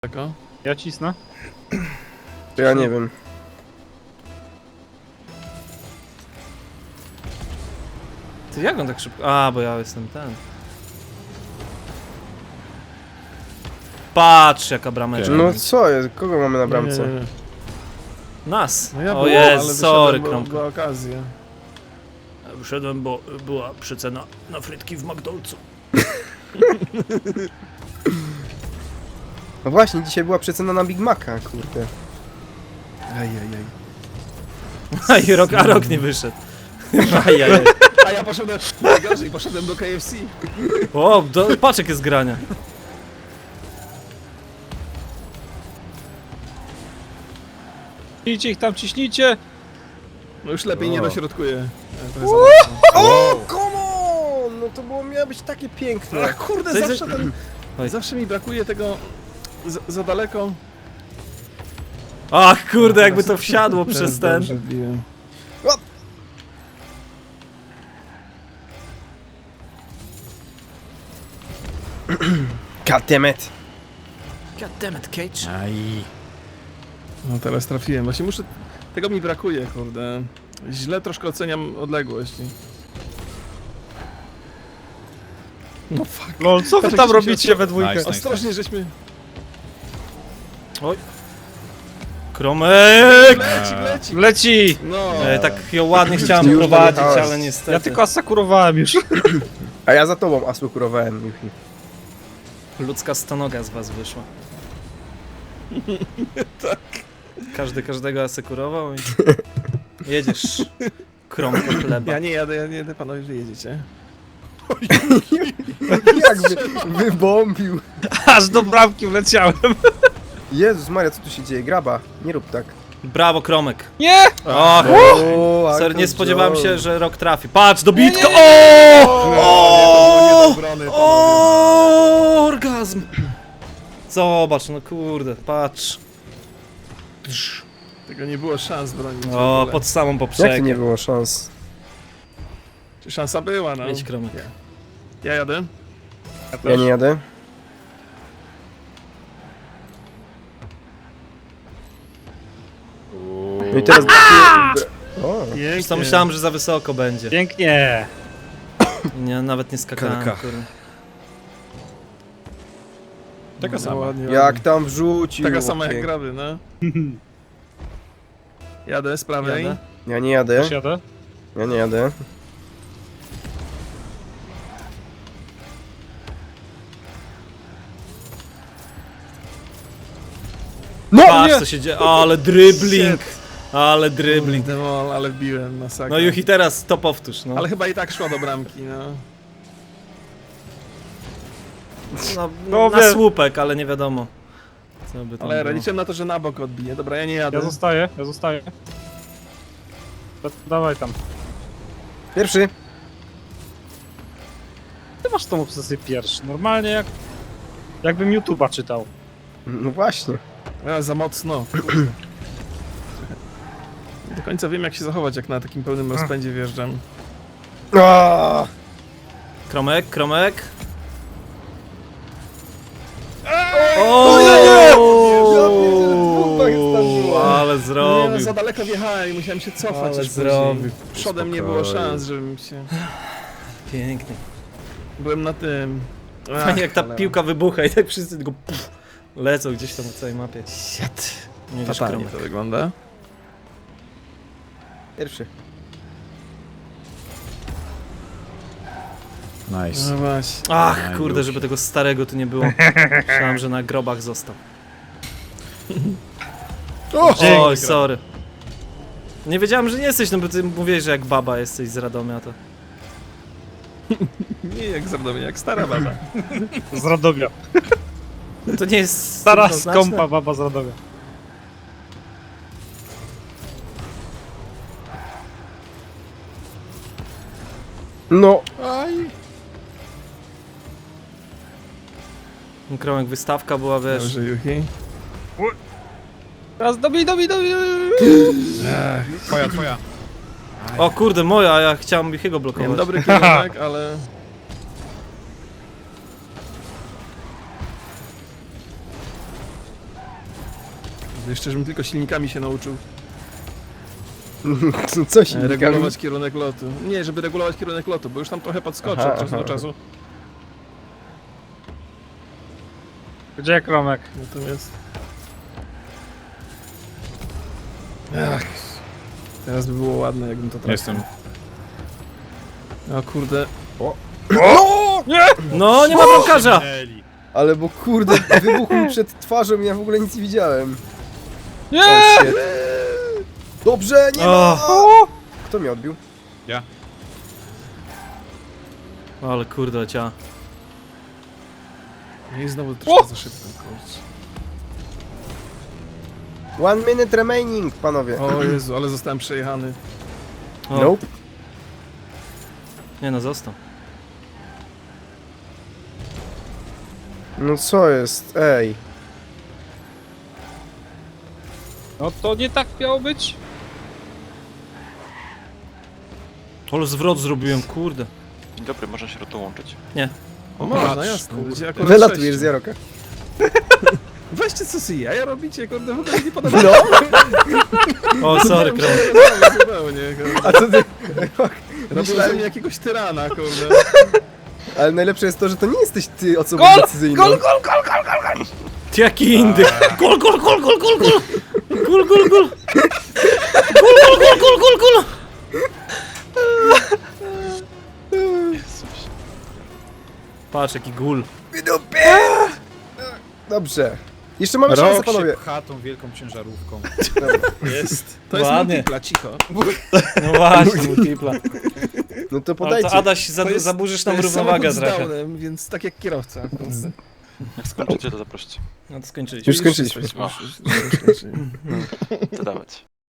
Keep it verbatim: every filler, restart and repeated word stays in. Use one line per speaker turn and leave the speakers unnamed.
Tego?
Ja cisnę.
To ja nie wiem.
Ty jak on tak szybko... A, bo ja jestem ten. Patrz jaka brameczka.
No co jest? Kogo mamy na bramce?
Nie, nie, nie.
Nas!
No ja
o
było,
jest,
ale
sorry,
wyszedłem, bo
kromka.
była okazja.
Wyszedłem, bo była przecena na frytki w McDonald'su.
No właśnie, dzisiaj była przecena na Big Maca, kurde.
Ajajaj.
A i rok, a rok nie wyszedł. Ajajaj.
A ja poszedłem, najgorzej, poszedłem do K F C.
O, do, patrz jakie zgrania.
Ciśnijcie ich tam, ciśnijcie!
No już lepiej
O.
nie dośrodkuję. E, to jest
O, come on! No to było, miało być takie
za
piękne.
mocno. Ach kurde,
Coś-
zawsze, ten,
Oj.
zawsze mi brakuje tego za, za daleko.
Ach kurde, jakby to wsiadło
Teraz
przez ten.
dobrze wbiłem.
God damn it.
God damn it, Cage.
No teraz trafiłem, właśnie muszę... Tego mi brakuje, kurde. Źle troszkę oceniam odległość. No fuck.
Lol, co wy
Patrz,
tam
jak się
robicie we dwójkę?
Nice, nice.
Ostrożnie, żeśmy...
Kromek!
Leci, leci!
Leci!
No!
E, tak ją ładnie chciałem
Już
prowadzić,
dojechałeś.
ale niestety.
Ja tylko asakurowałem już.
A ja za tobą asłukurowałem, Yuki.
Ludzka stonoga z was wyszła. Tak. Każdy każdego asekurował i... Jedziesz. Kromko chleba.
Ja nie jadę, ja nie jadę, panowie, że jedziecie.
Jak wy, wybombił.
Aż do bramki wleciałem.
Jezus Maria, co tu się dzieje? Graba, nie rób tak.
Brawo, Kromek.
Nie!
Och,
O,
sorry, nie
Uncle
spodziewałem
Joe.
się, że rok trafi. Patrz, dobitka!
No, nie, to było nie do
O!
obrony, panowie.
O! Orgazm! Zobacz, no kurde, patrz.
Tego nie było szans bronić. w
O,
ogóle.
pod samą
Jak to
poprzek.
nie było szans?
Czy szansa była, no.
Jedź, Kromek.
Ja jadę.
Ja nie jadę. No i teraz... O,
Już to myślałem, że za wysoko będzie.
Pięknie!
Nie, nawet nie skakałem,
Kalka.
kurde.
Taka
No,
sama.
ładnie,
jak
ładnie.
tam wrzucił.
Taka sama jak
chłopie.
grawy, no. Jadę z prawej.
Jadę.
Ja nie jadę,
Też jadę?
ja nie jadę. No
Patrz
nie!
co się dzieje, ale dribbling! Ale dribbling.
Demol, ale wbiłem, masakra.
No Juchi, teraz to powtórz, no.
Ale chyba i tak szła do bramki, no.
no,
No
na
wie-
słupek, ale nie wiadomo. Co by tam
Ale
było.
liczyłem na to, że na bok odbije. Dobra, ja nie jadę.
Ja zostaję, ja zostaję. Da- Dawaj tam.
Pierwszy.
Ty masz tą obsesję pierwszy. Normalnie jak... Jakbym YouTube'a czytał.
No właśnie.
Ja, za mocno. Nie do końca wiem, jak się zachować, jak na takim pełnym rozpędzie wjeżdżam.
Aaaa!
Kromek, kromek.
O nie, nie! Ja pierdzielę, dwóch tak zdarzyło.
Ale
Nie, no,
zrobił.
za daleko wjechałem i musiałem się cofać.
Ale
aż
zrobił.
później. Przodem nie było
Spokojnie.
szans, żebym się...
Pięknie.
Byłem na tym... Ach,
Fajnie jak ta
cholera.
piłka wybucha i tak wszyscy tylko puf, lecą gdzieś tam na całej mapie.
Shit.
Nie wiesz,
Fatalnie
kromek.
to wygląda.
Pierwszy.
Nice.
No właśnie.
Ach,
Aj,
kurde,
już.
żeby tego starego tu nie było. Myślałem, że na grobach został. Oj, sorry. Nie wiedziałem, że nie jesteś, no bo ty mówiłeś, że jak baba jesteś z Radomia, to...
Nie jak z Radomia, jak stara baba.
Z Radomia.
To nie jest...
Stara
równoznaczne.
skąpa baba z Radomia.
No.
Aj.
Kromek, wystawka była, wiesz...
Dobrze, Juchi.
Teraz dobij, dobij, dobij!
Twoja, twoja.
O kurde, moja, ja chciałem Juchiego
Miałem
blokować.
dobry kierunek, ale... Jeszcze, żebym tylko silnikami się nauczył
Co
e,
się
regulować kierunek lotu. Nie, żeby regulować kierunek lotu, bo już tam trochę podskoczę
Aha,
od czasu
aha.
do czasu.
Gdzie Kromek?
Natomiast... Ach, teraz by było ładne, jakbym to trafił.
Jestem.
O kurde.
No, nie ma bramkarza!
Minęli.
Ale bo kurde, wybuchł mi przed twarzą i ja w ogóle nic nie widziałem.
Nie!
O, shit. Dobrze, nie ma!
O!
Kto mnie odbił?
Ja.
Ale kurde, cia.
I znowu troszkę za szybko, kurczę.
One minute remaining, panowie.
O Jezu, ale zostałem przejechany.
O,
Nope.
nie no, został.
No co jest? Ej.
No to nie tak miało być?
Ale zwrot zrobiłem, kurde.
Dzień dobry, można się dołączyć.
Nie.
O, można,
patrz,
jasne.
kurde.
Będzie akurat
Wylatujesz
sześciu.
z Jaroka.
Weźcie co sobie jaja robicie, kurde, w ogóle nie podoba.
No,
O, sorry, Kromek.
Zupełnie, kurde.
a co ty?
Robią ze
Myślałem-
mnie jakiegoś tyrana, kurde.
Ale najlepsze jest to, że to nie jesteś ty osobą
Gol!
decyzyjną.
Gol, gol, gol, gol, gol, gol!
Jaki indyk! Gol, gol, gol, gol, gol, gol! Gol, gol, gol! Gol, gol, gol, gol, gol, gol! Patrz, jaki gul.
Wydupie! Dobrze. Jeszcze mamy szansę,
Rok się
panowie.
pcha tą wielką ciężarówką.
Jest. To jest
Ładnie.
multipla, cicho.
No właśnie, multipla.
No to
Ale
podajcie.
to Adaś, za,
To jest-
zaburzysz
to
nam
jest
równowagę
samochód z
trochę.
downem, więc tak jak kierowca. kurde.
Jak skończycie, to zaproście.
No to skończyliśmy.
Już skończyliśmy.
Już, już, już, już, już, już.
Co dawać?